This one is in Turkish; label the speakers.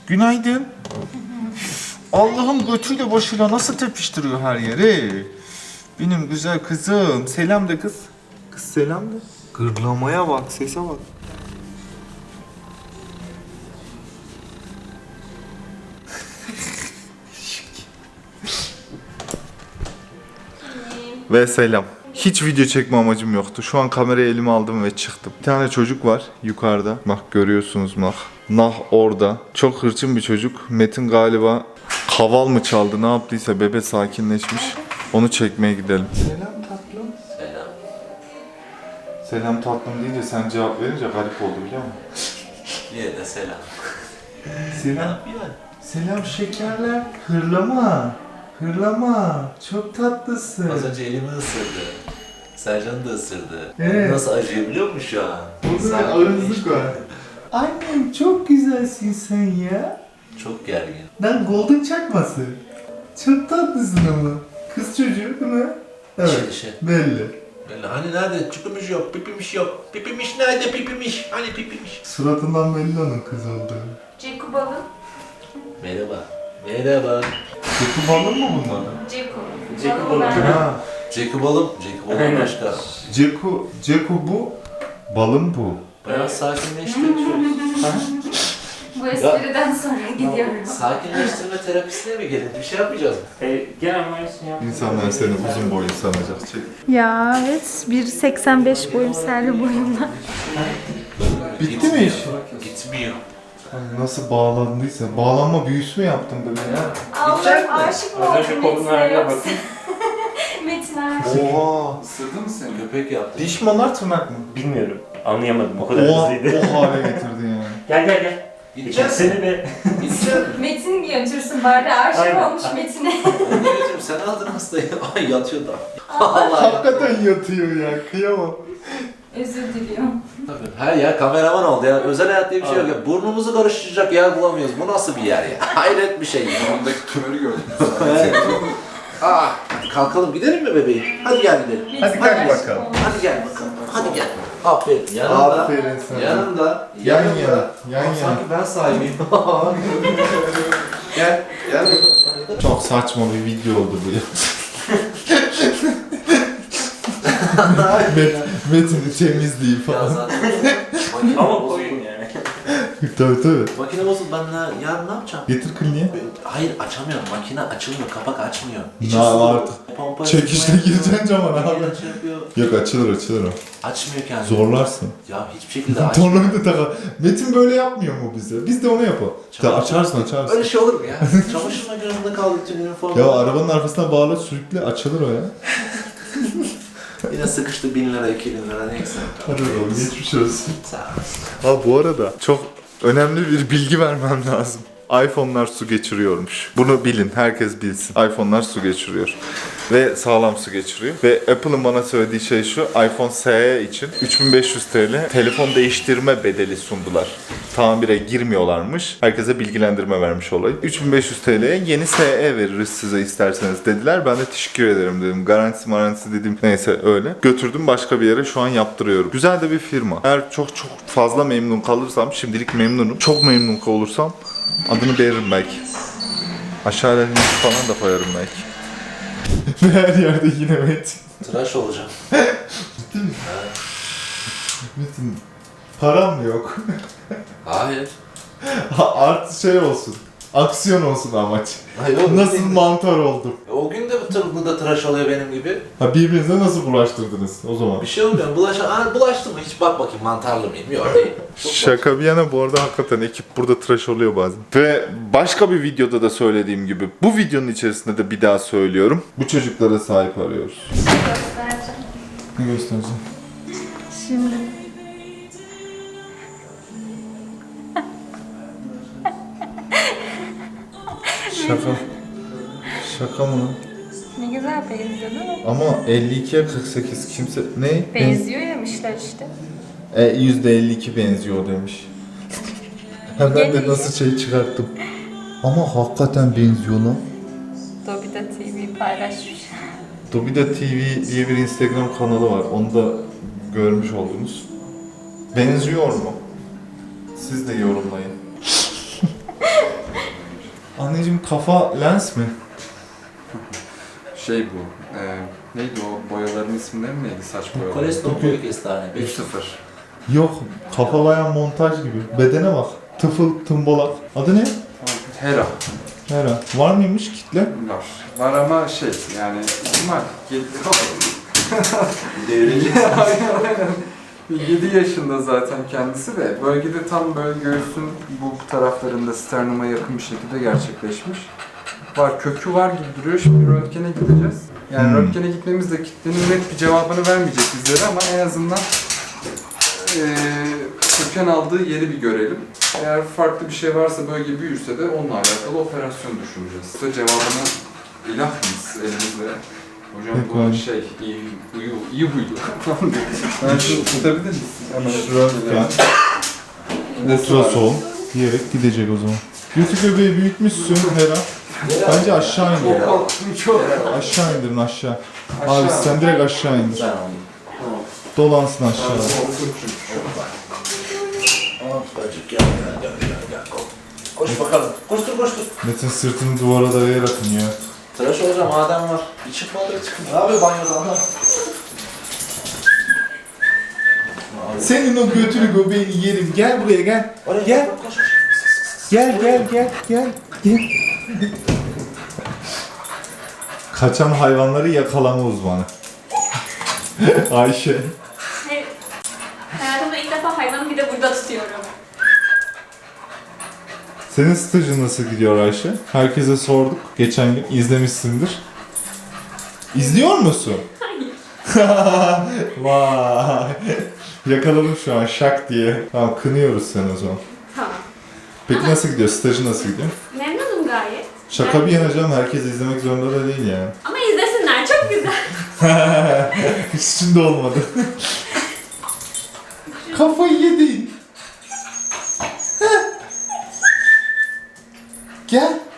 Speaker 1: Günaydın. Allah'ım götüyle başıyla nasıl tepiştiriyor her yeri. Benim güzel kızım. Selam de kız. Kız selam de. Gırlamaya bak, sese bak. Ve selam. Hiç video çekme amacım yoktu. Şu an kamerayı elime aldım ve çıktım. Bir tane çocuk var yukarıda. Bak görüyorsunuz Nah. Nah orada. Çok hırçın bir çocuk. Metin galiba kaval mı çaldı ne yaptıysa bebe sakinleşmiş. Onu çekmeye gidelim. Selam tatlım.
Speaker 2: Selam.
Speaker 1: Selam tatlım deyince sen cevap verince garip oldu biliyor musun?
Speaker 2: Yine de selam.
Speaker 1: Selam. Selam şekerler. Hırlama. Hırlama. Çok tatlısın.
Speaker 2: Az önce elimi ısırdı. Sercan da ısırdı.
Speaker 1: Evet.
Speaker 2: Nasıl acıyor biliyor musun şu an?
Speaker 1: Burada
Speaker 2: Sanki
Speaker 1: ağızlık
Speaker 2: geçti.
Speaker 1: var. Annem çok güzelsin sen ya.
Speaker 2: Çok gergin.
Speaker 1: Lan golden çakması. Çok tatlısın ama. Kız çocuğu değil mi? Evet.
Speaker 2: Şey.
Speaker 1: Belli.
Speaker 2: Böyle hani nerede? Çıkmış yok, pipimiş yok. Pipimiş nerede pipimiş? Hani pipimiş?
Speaker 1: Suratından belli onun kız olduğu.
Speaker 3: Ceku balım.
Speaker 2: Merhaba. Merhaba.
Speaker 1: Ceku balon mu bunlar?
Speaker 3: Ceku.
Speaker 4: Ceku
Speaker 3: Balım
Speaker 4: balım.
Speaker 3: ben.
Speaker 1: Ha.
Speaker 2: Jacob balım. Jacob balım başka.
Speaker 1: Ceku bu. Balım bu.
Speaker 2: Bayağı sakinleşti.
Speaker 3: Bu espriden sonra gidiyorum.
Speaker 2: Sakinleştirme terapisine mi gelin? Bir şey yapmayacağız mı?
Speaker 4: Genel mühendisini yaptım.
Speaker 1: İnsanlar seni uzun boylu sanacak. Çek.
Speaker 5: Ya evet, 1.85 boyum, servi boyumla.
Speaker 1: Bitti mi iş?
Speaker 2: Gitmiyor.
Speaker 1: Nasıl bağlandıysa. Bağlanma büyüsü mü yaptın bebeğe?
Speaker 3: Allah'ım aşık mı
Speaker 4: Az
Speaker 3: oldun
Speaker 4: önce kolun
Speaker 3: Metin'e
Speaker 4: haline
Speaker 3: yoksa?
Speaker 4: bakın.
Speaker 3: Metin aşık.
Speaker 1: Oha. Isırdı mı seni?
Speaker 2: Köpek yaptı.
Speaker 1: Diş mi onlar tırnak mı?
Speaker 4: Bilmiyorum. Anlayamadım. O kadar
Speaker 1: O
Speaker 4: hızlıydı.
Speaker 1: hale getirdin yani.
Speaker 4: Gel gel gel.
Speaker 2: Gideceğiz.
Speaker 4: Seni de.
Speaker 2: Gideceğiz.
Speaker 3: Metin götürsün bari aşık
Speaker 4: Aynen.
Speaker 3: olmuş Metin'e.
Speaker 2: Ben de götürüm. Sen aldın hastayı. Ay yatıyor da. Allah
Speaker 1: Hakikaten yatıyor ya. Kıyamam.
Speaker 3: Özür diliyorum.
Speaker 2: Tabii, her yer kameraman oldu ya. Özel hayat diye bir şey yok ya. Burnumuzu karıştıracak yer bulamıyoruz. Bu nasıl bir yer ya? Hayret bir şey.
Speaker 1: Ondaki tümörü gördüm.
Speaker 2: Hadi kalkalım gidelim mi bebeğim? Hadi gel gidelim.
Speaker 1: Hadi kalk bakalım.
Speaker 2: Hadi gel bakalım. Hadi gel. Aferin. Yanında.
Speaker 1: Aferin sana.
Speaker 2: Yanında.
Speaker 1: Yan
Speaker 2: yanında.
Speaker 1: yana. Yan yana.
Speaker 2: Sanki ben sahibiyim. Gel. Gel.
Speaker 1: Çok saçma bir video oldu bu ya. Metin'i temizliği
Speaker 2: Ya
Speaker 1: falan.
Speaker 2: zaten makine
Speaker 4: Ama
Speaker 2: bozuldu.
Speaker 4: koyun yani.
Speaker 1: Tabii tabii.
Speaker 2: Makine bozuldu. Ben yarın ne yapacağım?
Speaker 1: Getir kliniğe.
Speaker 2: Hayır açamıyorum. Makine açılmıyor. Kapak açmıyor.
Speaker 1: Ne artık?
Speaker 2: Pompa
Speaker 1: Çekişle
Speaker 2: yapıyor.
Speaker 1: gireceksin camana abi.
Speaker 2: Makine şey yapıyor.
Speaker 1: Yok açılır o.
Speaker 2: Açmıyor kendini.
Speaker 1: Zorlarsın.
Speaker 2: Ya hiçbir şekilde açmıyor.
Speaker 1: Tornavida taka. Metin böyle yapmıyor mu bize? Biz de onu yapalım.
Speaker 2: Çabuk.
Speaker 1: Açarsın.
Speaker 2: Öyle şey olur mu ya? Çamaşır makinesinde kaldı bütün üniforma.
Speaker 1: Ya arabanın arkasına bağla sürükle açılır o ya.
Speaker 2: Yine sıkıştı 1000 lira 2000 lira neyse.
Speaker 1: Hadi oğlum geçmiş olsun.
Speaker 2: Sağ ol.
Speaker 1: Ha bu arada çok önemli bir bilgi vermem lazım. iPhone'lar su geçiriyormuş. Bunu bilin, herkes bilsin. iPhone'lar su geçiriyor. Ve sağlam su geçiriyor. Ve Apple'ın bana söylediği şey şu, iPhone SE için 3500 TL telefon değiştirme bedeli sundular. Tamire girmiyorlarmış. Herkese bilgilendirme vermiş olayım. 3500 TL'ye yeni SE veririz size isterseniz dediler. Ben de teşekkür ederim dedim. Garantisi dedim. Neyse öyle. Götürdüm başka bir yere şu an yaptırıyorum. Güzel de bir firma. Eğer çok fazla memnun kalırsam, şimdilik memnunum. Çok memnun olursam adını veririm belki. Aşağıya link falan da koyarım belki. Her yerde yine Metin.
Speaker 2: Tıraş olacağım.
Speaker 1: Metin, param mı yok?
Speaker 2: Hayır.
Speaker 1: Artı şey olsun. Aksiyon olsun amaç.
Speaker 2: Hayır o
Speaker 1: Nasıl
Speaker 2: gün,
Speaker 1: mantar oldum?
Speaker 2: o gün de bu da tıraş oluyor benim gibi.
Speaker 1: Ha birbirinize nasıl bulaştırdınız o zaman?
Speaker 2: Bir şey olmuyor. Bulaştı mı? Hiç bak bakayım mantarlı mıyım? Yok değil. Çok
Speaker 1: Şaka bir yana bu arada hakikaten ekip burada tıraş oluyor bazen. Ve başka bir videoda da söylediğim gibi bu videonun içerisinde de bir daha söylüyorum. Bu çocuklara sahip arıyoruz.
Speaker 3: Göstereceğim.
Speaker 1: Ne göstereceğim?
Speaker 5: Şimdi
Speaker 1: Şaka. Şaka mı?
Speaker 3: Ne güzel benziyor değil mi?
Speaker 1: Ama 52'ye 48 kimse... Ne?
Speaker 3: Benziyor yemişler işte.
Speaker 1: %52 benziyor demiş. Hemen de
Speaker 3: Gene
Speaker 1: nasıl şey çıkarttım. Ama hakikaten benziyor lan.
Speaker 3: Dobida TV paylaşmış.
Speaker 1: Dobida TV diye bir Instagram kanalı var. Onu da görmüş oldunuz. Benziyor mu? Siz de yorumlayın. Anneciğim kafa lens mi?
Speaker 6: Şey bu, neydi o boyaların isimleri mi neydi saç boyaları?
Speaker 2: Koleston boyu kestane.
Speaker 6: 3-0.
Speaker 1: Yok, kafa bayağı montaj gibi. Bedene bak. Tıfıl, tımbolak. Adı ne?
Speaker 6: Hera
Speaker 1: Hera. Var mıymış kitle?
Speaker 6: var. Var ama şey yani ihtimal.
Speaker 2: Devrici.
Speaker 6: Aynen. 7 yaşında zaten kendisi de bölgede tam böyle göğsün bu taraflarında sternuma yakın bir şekilde gerçekleşmiş. Var, kökü var gibi duruyor. Şimdi röntgene gideceğiz. Yani röntgene gitmemiz de kitlenin net bir cevabını vermeyecek bizlere ama en azından köken aldığı yeri bir görelim. Eğer farklı bir şey varsa bölge büyürse de onunla alakalı operasyon düşüneceğiz. Size cevabını ilah mıyız elimizde? Hocam bu
Speaker 1: Peki.
Speaker 6: şey iyi huydu. Ben şunu tutabilir misin? Hemen
Speaker 1: Röntgen, ultrason diyerek gidecek o zaman. Götü göbeği büyütmüşsün Hera. Bence aşağı indir.
Speaker 6: Çok korktum çok.
Speaker 1: Aşağı indirin aşağı. Abi sen direkt aşağı indir.
Speaker 2: Ben onu.
Speaker 1: Dolansın aşağı.
Speaker 2: Çocuk gel. Koş bakalım. Koştur.
Speaker 1: Metin sırtını duvara dayayarak iniyor.
Speaker 2: Tıraş olacağım Adem var. Bir çıkmadı çıkın. Ne yapıyor banyodan da?
Speaker 1: Senin o götünü göbeğini yerim. Gel buraya gel. Gel.
Speaker 2: Koş.
Speaker 1: Gel. Kaçan hayvanları yakalama uzmanı. Ayşe.
Speaker 7: Hayır. Hayatımda ilk defa hayvanı bir de burada tutuyorum.
Speaker 1: Senin stajın nasıl gidiyor Ayşe? Herkese sorduk. Geçen gün izlemişsindir. İzliyor musun?
Speaker 7: Hayır.
Speaker 1: Vay. Yakaladım şu an şak diye. Tamam kınıyoruz seni o zaman.
Speaker 7: Tamam.
Speaker 1: Peki nasıl gidiyor? Stajı nasıl gidiyor?
Speaker 7: Memnunum gayet.
Speaker 1: Şaka bir yana canım. Herkes izlemek zorunda da değil yani.
Speaker 7: Ama izlesinler, çok güzel.
Speaker 1: Hiç içinde olmadı. Kafayı yedin. Gel.